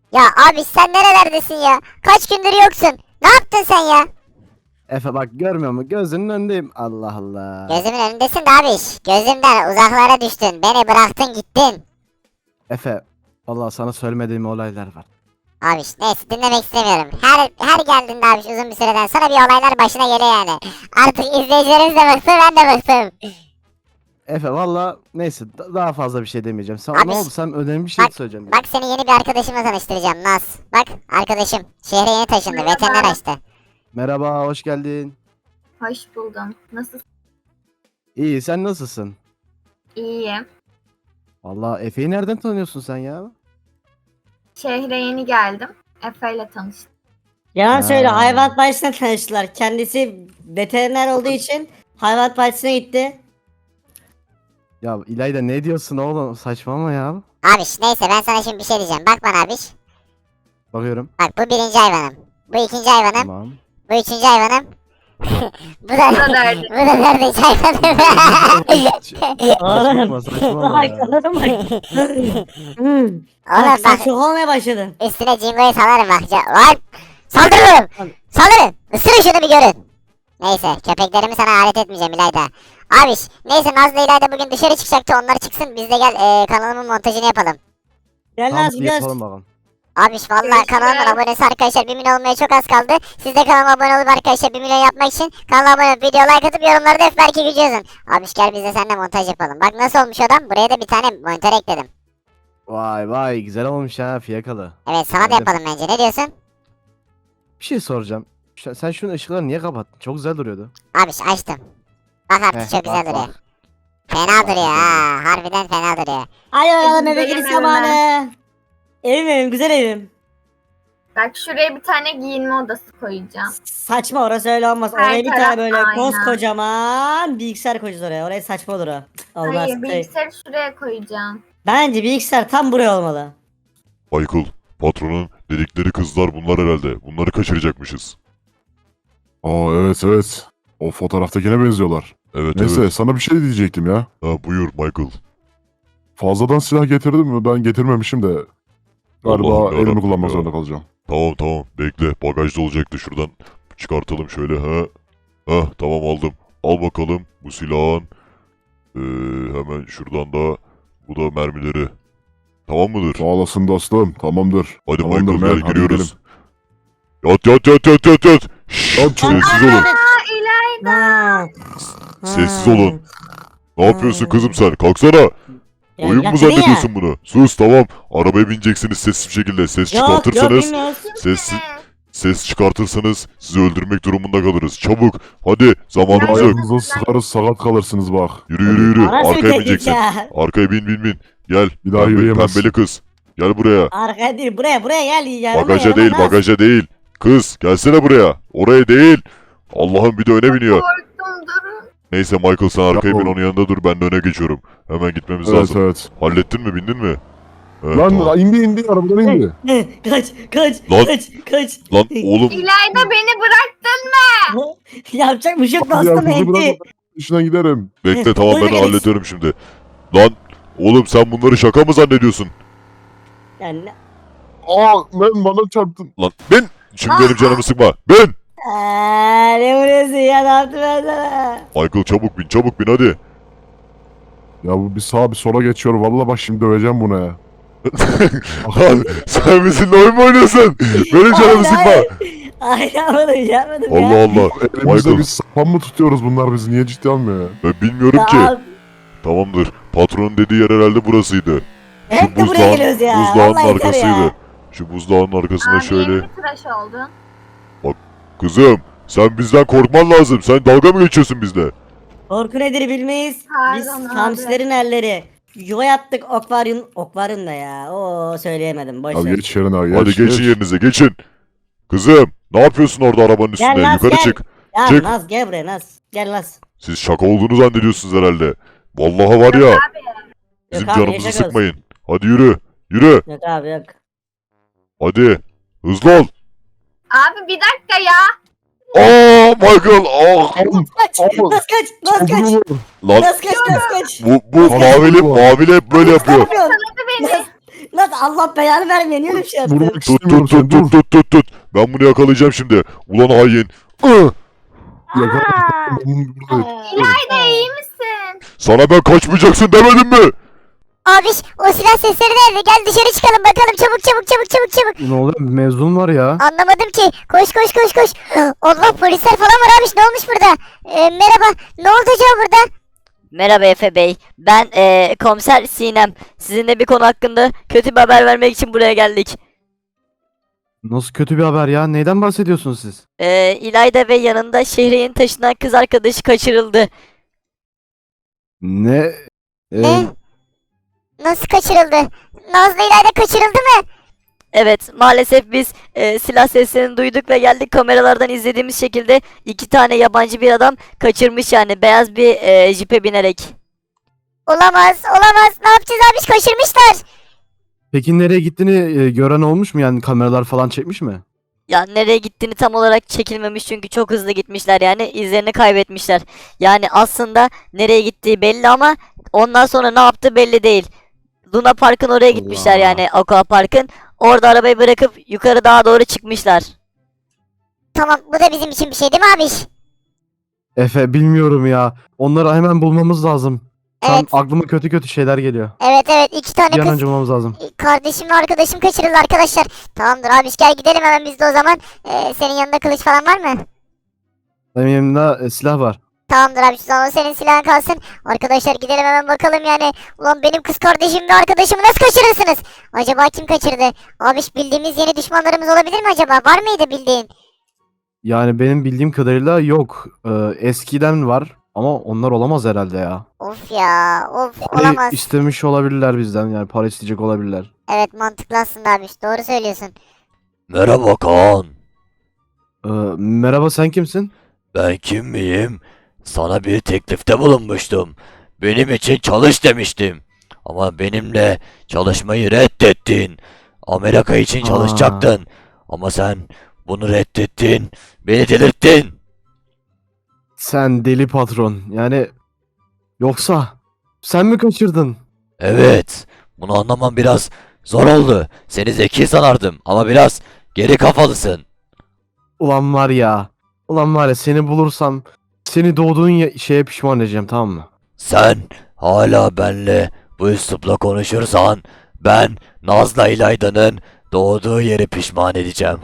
Ya abi sen nerelerdesin ya? Kaç gündür yoksun. Ne yaptın sen ya? Efe bak görmüyor musun? Gözünün önündeyim. Allah Allah. Gözümün önündesin de abiş. Gözümden uzaklara düştün. Beni bıraktın gittin. Efe vallahi sana söylemediğim olaylar var. Abiş neyse dinlemek istemiyorum. Her geldiğinde abiş uzun bir süreden sonra bir olaylar başına geliyor yani. Artık izleyicilerimiz de bıktı ben de bıktım. Efe valla neyse daha fazla bir şey demeyeceğim. Sen Abi, ne oldu? Sen önemli bir şey bak, söyleyeceğim. bak seni yeni bir arkadaşımla tanıştıracağım Naz. Bak arkadaşım şehre yeni taşındı. Merhaba. Veteriner açtı. Merhaba, hoş geldin. Hoş buldum. Nasılsın? İyi, sen nasılsın? İyiyim. Valla Efe'yi nereden tanıyorsun sen ya? Şehre yeni geldim. Efe ile tanıştım. Yalan söyle, Ha. hayvanat bahçesine tanıştılar. Kendisi veteriner olduğu için hayvanat bahçesine gitti. Ya İlayda ne diyorsun oğlum? Saçmalama ya. Abiş neyse ben sana şimdi bir şey diyeceğim. Bak bana abiş. Bakıyorum. Bak bu birinci hayvanım. Bu ikinci hayvanım. Tamam. Bu üçüncü hayvanım. bu da Bu da dördüncü. bu da dördüncü hayvanım. Saçmalama saçmalama ya. Anladın mı? Oğlum Bak sen bak çok olmaya başladın. üstüne Jingo'yu salarım bak. Lan saldırırım. Saldırın. Isırın şunu bir görün. Neyse köpeklerimi sana alet etmeyeceğim İlayda. Abiş neyse Nazlı İlayda bugün dışarı çıkacaktı onlar çıksın biz de gel kanalımın montajını yapalım. Gel Tamam lan bir gidiyoruz. yapalım bakalım. Abiş valla Görüşürüz. kanalımın abonesi arkadaşlar 1 milyon olmaya çok az kaldı. Siz de kanalıma abone olup arkadaşlar 1 milyon yapmak için kanala abone olup video like atıp yorumlarda F belki gücü yazın. Abiş gel biz de seninle montaj yapalım. Bak nasıl olmuş adam buraya da bir tane monitör ekledim. Vay vay güzel olmuş ha fiyakalı. Evet sana da Beğendim. yapalım bence ne diyorsun? Bir şey soracağım. Sen şunun ışıkları niye kapattın? Çok güzel duruyordu. Abiş açtım. Bak artık Heh, çok güzel bak, duruyor. bak. Fena Bak, duruyor güzel ha. Harbiden fena duruyor. Hadi bakalım eve Benim gidiş evime. zamanı. Evim güzel evim. Bak şuraya bir tane giyinme odası koyacağım. Saçma, orası öyle olmaz. Her Oraya bir taraf tane böyle ayna. koskocaman bilgisayar koyacağız oraya. Oraya saçma olur o. Olmaz. Hayır bilgisayarı şuraya koyacağım. Bence bilgisayar tam buraya olmalı. Michael, patronun dedikleri kızlar bunlar herhalde. Bunları kaçıracakmışız. Aa evet evet. O fotoğraftakine benziyorlar. Evet Neyse evet. sana bir şey diyecektim ya. Ha, buyur Michael. Fazladan silah getirdim mi? Ben getirmemişim de. Galiba Allah'ım elimi yarabbim kullanmak ya. zorunda kalacağım. Tamam tamam bekle. Bagajda olacaktı şuradan. Çıkartalım şöyle ha. Ha tamam aldım. Al bakalım bu silahın. Hemen şuradan da bu da mermileri. Tamam mıdır? Sağ olasın dostum. Tamamdır. Hadi Tamamdır, Michael Mel, gel hadi giriyoruz. Yat yat yat yat yat yat. Şşş, Yat çabuk. sessiz olun. Ha. Sessiz olun. Ne yapıyorsun kızım sen? Kalksana. Oyun mu zannediyorsun bunu? Sus tamam. Arabaya bineceksiniz sessiz bir şekilde. Ses çıkartırsanız, ses çıkartırsanız sizi öldürmek durumunda kalırız. Çabuk. Hadi zamanımız yok. Ayağınıza sıkarız sakat kalırsınız bak. Yürü yürü yürü. Nasıl bir Arkaya tehdit bineceksin. ya? Arkaya bin bin bin. Gel. Bir daha yürüyemez. Pembeli kız. Gel buraya. Arkaya değil, buraya gel. Yanıma, Bagaja yanıma, değil Naz. bagaja değil. Kız gelsene buraya. Oraya değil. Allah'ım bir de öne biniyor. Korktum durun. Neyse Michael sen arkaya bin oğlum. onun yanında dur. Ben de öne geçiyorum. Hemen gitmemiz Evet lazım. evet. Hallettin mi? Bindin mi? Evet, Lan tamam. indi arabadan indi. Kaç Lan. kaç. Lan oğlum İlayda beni bıraktın. Yapacak bir şey yok Hadi dostum, ya, kızı etti. bırak. İşine giderim. bekle tamam ben Buyurun, Alex. hallediyorum şimdi. Lan oğlum sen bunları şaka mı zannediyorsun? Yani Aa ben bana çarptın. Lan bin! Şimdi benim canımı sıkma. Bin! ne vuruyorsun ya, ne yaptım ben sana? Michael çabuk bin hadi. Ya bu bir sağa bir sola geçiyor. Vallahi bak şimdi döveceğim bunu ya. Lan sen bizimle oyun mu oynuyorsun? Benim canımı sıkma. Ay yapmadım Allah ya. Allah. Elimizde Michael biz sapan mı tutuyoruz bunlar bizi niye ciddi almıyor ya? ben bilmiyorum ki. Tamam. Tamamdır. Patronun dediği yer herhalde burasıydı. Hep de buraya geliyoruz ya. buzdağının Vallahi yeter arkasıydı. ya. Şu buzdağının arkasında Abi şöyle. yeni bir tıraş oldun. Kızım sen bizden korkman lazım. Sen dalga mı geçiyorsun bizle? Korku nedir bilmeyiz. Biz Pardon abi. hamsilerin elleri. Yuva yaptık akvaryumda ya. Oo söyleyemedim, boş Abi ver. geç yerine abi Hadi geç. geçin yerinize geçin. Kızım ne yapıyorsun orada arabanın Gel üstünde? Naz, Yukarı gel. çık. Ya Çık. Naz gel buraya Naz. Gel Naz. Siz şaka olduğunu zannediyorsunuz herhalde. Vallahi var ya. Bizim Yok abi, canımızı yaşa kız. sıkmayın. Hadi yürü. Yürü. Yok abi yok. Hadi. Hızlı ol. Abi bir dakika ya. Aa Michael. Aa. Kaç. Oğlum, Naz kaç. Naz kaç. Lan Naz kaç. Naz kaç. bu mavili hep böyle yapıyor. Ne yapıyorsun? Beni. Lan Allah belanı vermiyor. Niye öyle bir şey yaptın? Vurmak Tut istemiyorum tut seni. tut Dur. tut tut tut. Ben bunu yakalayacağım şimdi. Ulan hain. Yakala. Aa, Ben buradayım. İlayda iyi misin? Sana ben kaçmayacaksın demedim mi? Abiş o silah sesleri nerede? Gel dışarı çıkalım bakalım çabuk çabuk çabuk çabuk çabuk. Ne oluyor? Mezun var ya. Anlamadım ki. Koş koş koş koş. Allah polisler falan var abiş ne olmuş burada? Merhaba ne oldu acaba burada? Merhaba Efe Bey. Ben komiser Sinem. Sizinle bir konu hakkında kötü bir haber vermek için buraya geldik. Nasıl kötü bir haber ya? Neyden bahsediyorsunuz siz? İlayda ve yanında şehre yeni taşınan kız arkadaşı kaçırıldı. Ne? Ne? Nasıl kaçırıldı? Nazlı İlayda kaçırıldı mı? Evet, maalesef biz silah seslerini duyduk ve geldik, kameralardan izlediğimiz şekilde iki tane yabancı bir adam kaçırmış, yani beyaz bir jipe binerek. Olamaz olamaz. Ne yapacağız abiş kaçırmışlar. Peki nereye gittiğini gören olmuş mu? Yani kameralar falan çekmiş mi? Ya nereye gittiğini tam olarak çekilmemiş çünkü çok hızlı gitmişler, yani izlerini kaybetmişler. Yani aslında nereye gittiği belli ama ondan sonra ne yaptığı belli değil. Luna Park'ın oraya gitmişler, Allah. yani Aqua Park'ın. Orada arabayı bırakıp yukarı dağa doğru çıkmışlar. Tamam bu da bizim için bir şey değil mi abiş? Efe bilmiyorum ya. Onları hemen bulmamız lazım. Şu an Evet. aklıma kötü kötü şeyler geliyor. Evet iki tane Bir an kız. önce bulmamız lazım. Kardeşim ve arkadaşım kaçırıldı arkadaşlar. Tamamdır abiş gel gidelim hemen biz de o zaman. Senin yanında kılıç falan var mı? Benim elimde silah var. Tamamdır abi o zaman senin silahın kalsın. Arkadaşlar gidelim hemen bakalım yani. Ulan benim kız kardeşim ve arkadaşımı nasıl kaçırırsınız? Acaba kim kaçırdı? Abiş bildiğimiz yeni düşmanlarımız olabilir mi acaba? Var mıydı bildiğin? Yani benim bildiğim kadarıyla yok. Eskiden var ama onlar olamaz herhalde ya. Of ya of Parayı olamaz. istemiş olabilirler bizden, yani para isteyecek olabilirler. Evet mantıklı aslında abiş doğru söylüyorsun. Merhaba Kaan. Merhaba, sen kimsin? Ben kim miyim? Sana bir teklifte bulunmuştum. Benim için çalış demiştim. Ama benimle çalışmayı reddettin. Amerika için çalışacaktın. Ama sen bunu reddettin. Beni delirttin. Sen deli patron. Yani yoksa sen mi kaçırdın? Evet. Bunu anlamam biraz zor oldu. Seni zeki sanardım ama biraz geri kafalısın. Ulan var ya. Ulan var ya, seni bulursam seni doğduğun şeye pişman edeceğim, tamam mı? Sen hala benle bu üslupla konuşursan ben Naz'la İlayda'nın doğduğu yeri pişman edeceğim.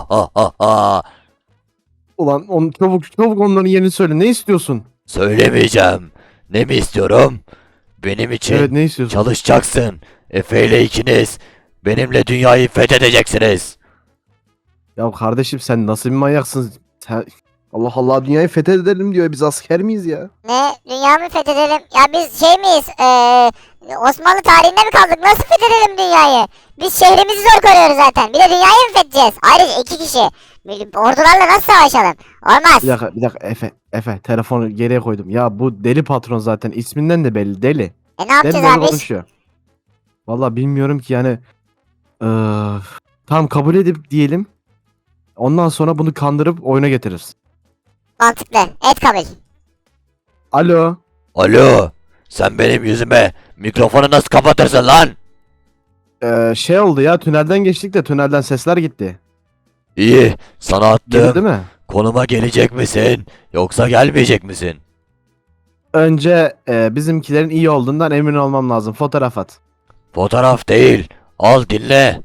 Ulan çabuk onların yerini söyle. Ne istiyorsun? Söylemeyeceğim. Ne mi istiyorum? Benim için Evet, ne istiyorsun? çalışacaksın. Efe ile ikiniz benimle dünyayı fethedeceksiniz. Ya kardeşim, sen nasıl bir manyaksın? Allah Allah, dünyayı fethedelim diyor. Biz asker miyiz ya? Ne? Dünya mı fethedelim? Ya biz şey miyiz? Osmanlı tarihinde mi kaldık? Nasıl fethedelim dünyayı? Biz şehrimizi zor koruyoruz zaten. Bir de dünyayı mı fethedeceğiz? Ayrıca iki kişi. Ordularla nasıl savaşalım? Olmaz. Bir dakika Efe telefonu geriye koydum. Ya bu deli patron zaten isminden de belli, deli. Ne yapacağız Deli abi? konuşuyor. Valla bilmiyorum ki yani. Tamam, kabul edip diyelim. Ondan sonra bunu kandırıp oyuna getiririz. Mantıklı. Et kabul. Alo. Alo, sen benim yüzüme mikrofonu nasıl kapatırsın lan? Şey oldu ya, tünelden geçtik de tünelden sesler gitti. İyi, sana Geldi attığım değil mi? konuma gelecek misin yoksa gelmeyecek misin? Önce bizimkilerin iyi olduğundan emin olmam lazım. Fotoğraf at. Fotoğraf değil, al dinle.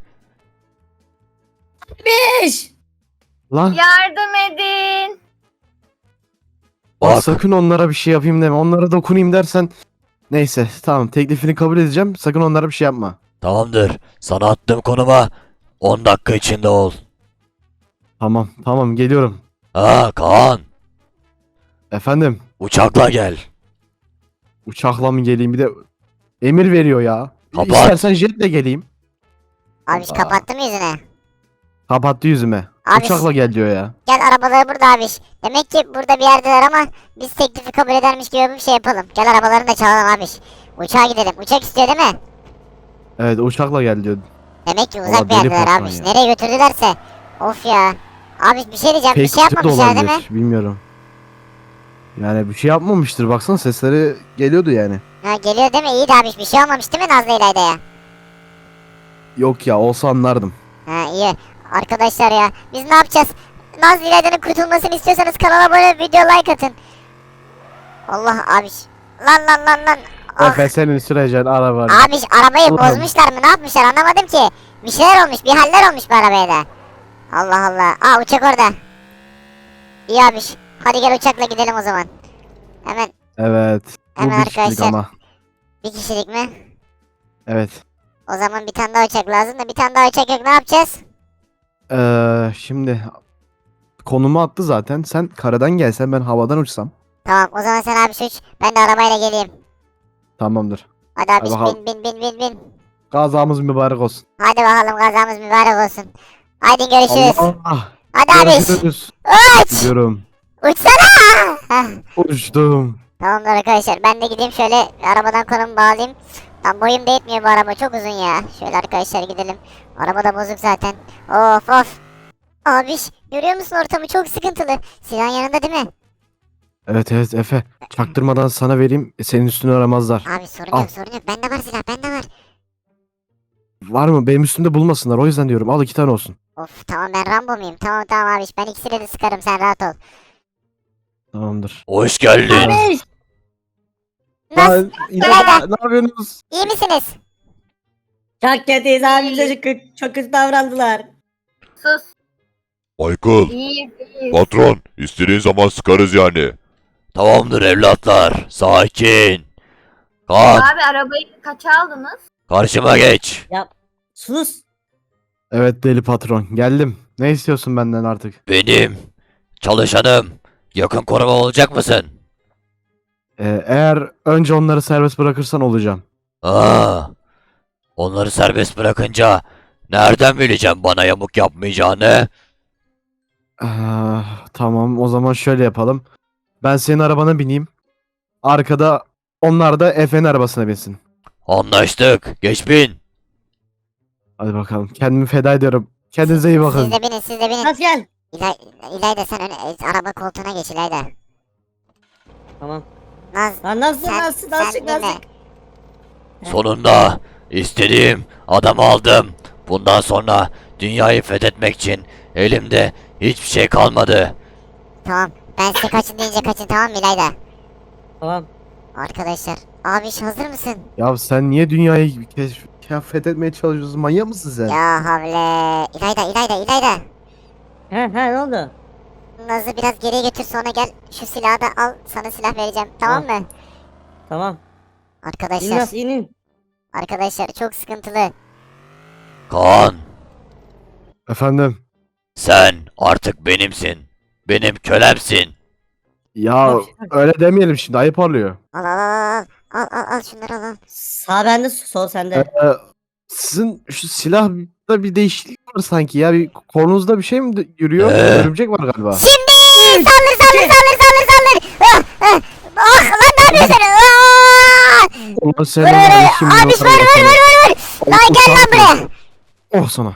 İş. Lan Yardım edin. bak, Bak, sakın onlara bir şey yapayım deme. Onlara dokunayım dersen. Neyse tamam, teklifini kabul edeceğim. Sakın onlara bir şey yapma. tamamdır, sana attığım konuma 10 dakika içinde ol. Tamam geliyorum. Kaan, Efendim, uçakla gel. uçakla mı geleyim, bir de emir veriyor ya. Kapat. İstersen jetle geleyim. Abiş Allah. kapattı mı yüzüne? Kapattı yüzüme. Abi- Uçakla gel diyor ya. Gel arabaları burada abiş. Demek ki burada bir yerdeler ama biz teklifi kabul edermiş gibi bir şey yapalım. Gel arabalarını da çalalım abiş. Uçağa gidelim. Uçak istiyor değil mi? Evet, uçakla gel diyor. Demek ki Valla uzak bir deli yerdeler patron abiş. ya. Nereye götürdülerse. Of ya. Abiş bir şey diyeceğim. Bir Fake şey tüp de yapmamışlar değil mi? olabilir. Bilmiyorum. Yani bir şey yapmamıştır. Baksana, sesleri geliyordu yani. Ha geliyor değil mi? İyi de abiş bir şey olmamış değil mi Nazlı İlayda'ya? Yok ya, olsa anlardım. Ha iyi. Arkadaşlar ya biz ne yapacağız? Nazlı İlayda'nın kurtulmasını istiyorsanız kanala abone olup video like atın. Allah abiş. Lan. Ah. Efe senin süreceğin araba. Abiş arabayı Allah'ım. bozmuşlar mı ne yapmışlar anlamadım ki. Bir şeyler olmuş bir haller olmuş bu arabaya da. Allah Allah. Aa uçak orada. İyi abiş. Hadi gel uçakla gidelim o zaman. Hemen Evet. Bu Hemen bir kişilik arkadaşlar. ama. bir kişilik mi? Evet. O zaman bir tane daha uçak lazım da bir tane daha uçak yok ne yapacağız? Şimdi konumu attı zaten. Sen karadan gelsen ben havadan uçsam. Tamam o zaman sen abiş uç. Ben de arabayla geleyim. Tamamdır. Hadi abiş bakalım. bin. Gazamız mübarek olsun. Hadi bakalım kazamız mübarek olsun. Haydi görüşürüz. Allah. Hadi abiş. Görüşürüz. Uç. Gidiyorum. Uçsana. Heh. Uçtum. Tamamdır arkadaşlar ben de gideyim şöyle arabadan konumu bağlayayım. Tam boyum da yetmiyor bu araba çok uzun ya. Şöyle arkadaşlar gidelim. Araba da bozuk zaten. Of. Abiş görüyor musun ortamı çok sıkıntılı. Silahın yanında değil mi? Evet Efe. Çaktırmadan sana vereyim. Senin üstünü aramazlar. Abi sorun Al. yok sorun yok. Bende var silah bende var. Var mı? Benim üstümde bulmasınlar. O yüzden diyorum. Al 2 tane olsun. Of tamam ben Rambo muyum? Tamam abiş ben ikisini de sıkarım sen rahat ol. Tamamdır. Hoş geldin. Abi. Nasıl? İlayda, ne yapıyorsunuz? İyi misiniz? Çok kötüyüz abi bize çok kötü davrandılar. Sus. Michael, İyiyiz. patron, istediğin zaman sıkarız yani. Tamamdır evlatlar, sakin. Kaan, Abi arabayı kaça aldınız? karşıma geç. Sus. Evet deli patron. Geldim. Ne istiyorsun benden artık? Benim çalışanım. Yakın koruma olacak mısın? Eğer önce onları serbest bırakırsan olacağım. Onları serbest bırakınca nereden bileceğim bana yamuk yapmayacağını? Tamam o zaman şöyle yapalım. Ben senin arabana bineyim. Arkada onlar da Efe'nin arabasına binsin. Anlaştık. Geç bin. Hadi bakalım. Kendimi feda ediyorum. Kendinize iyi bakın. Siz de binin. Naz gel. İlayda sen araba koltuğuna geç İlayda. Tamam. Naz Lan nasıl sen, nasıl sen nasıl binme. nasıl? Sonunda istediğim adamı aldım. Bundan sonra dünyayı fethetmek için elimde hiçbir şey kalmadı. Tamam ben size kaçın deyince kaçın tamam mı İlayda? Tamam. Arkadaşlar abiş hazır mısın? Ya sen niye dünyayı fethetmeye çalışıyorsun? Manyak mısın sen? Ya havle. İlayda. He ne oldu? Naz'ı biraz geriye götür sonra gel şu silahı da al sana silah vereceğim tamam mı? Tamam. İn Arkadaşlar Naz inin. arkadaşlar çok sıkıntılı. Kaan, Efendim? sen artık benimsin. Benim kölemsin. Ya öyle demeyelim şimdi. Ayıp oluyor. Al şunları al. Sağ bende sol sende. Sizin şu silahta bir değişiklik var sanki ya. Bir kolunuzda bir şey mi yürüyor? Örümcek var galiba. Şimdi saldır. Lan ne yapıyorsun? Ulan sen Vur. Abiş vur. Lan gel lan buraya. Oh sana.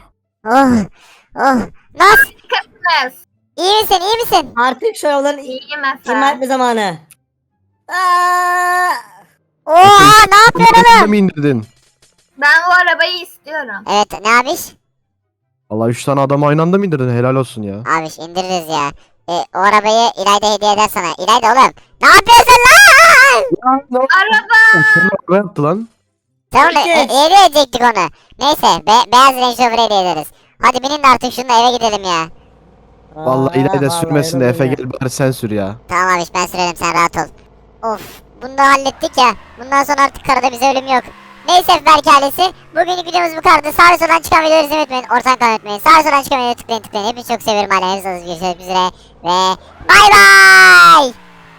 Naz Kız. iyi misin? Artık şu arabaların İyiyim imha Efe. etme zamanı. Aa! Oha ne yapıyorsun Bunu oğlum? mi indirdin? Ben o arabayı istiyorum. Evet ne abiş? Allah 3 tane adamı aynı anda mı indirdin? Helal olsun ya. Abiş indiririz ya. O arabayı İlayda hediye eder sana. İlayda oğlum. Ne yapıyorsun lan? Araba. Ne yaptı lan? Tamam Herkes. hediye edecektik onu. Neyse beyaz Range Rover hediye ederiz. Hadi binin de artık şununla eve gidelim ya. Vallahi İlayda Vallahi sürmesin de öyle Efe ya. gel bari sen sür ya. Tamam abiş ben sürerim sen rahat ol. Of bunu da hallettik ya. Bundan sonra artık karada bize ölüm yok. Neyse Berk ailesi. Bugünlük videomuz bu kadardı. Sağ ve soldan çıkan videoları izlemeyi unutmayın. Ortadan kanalı unutmayın. Sağ ve soldan çıkan videoları tıklayın. Hepinizi çok seviyorum hala. Hepinizi görüşmek üzere. Ve bay bay.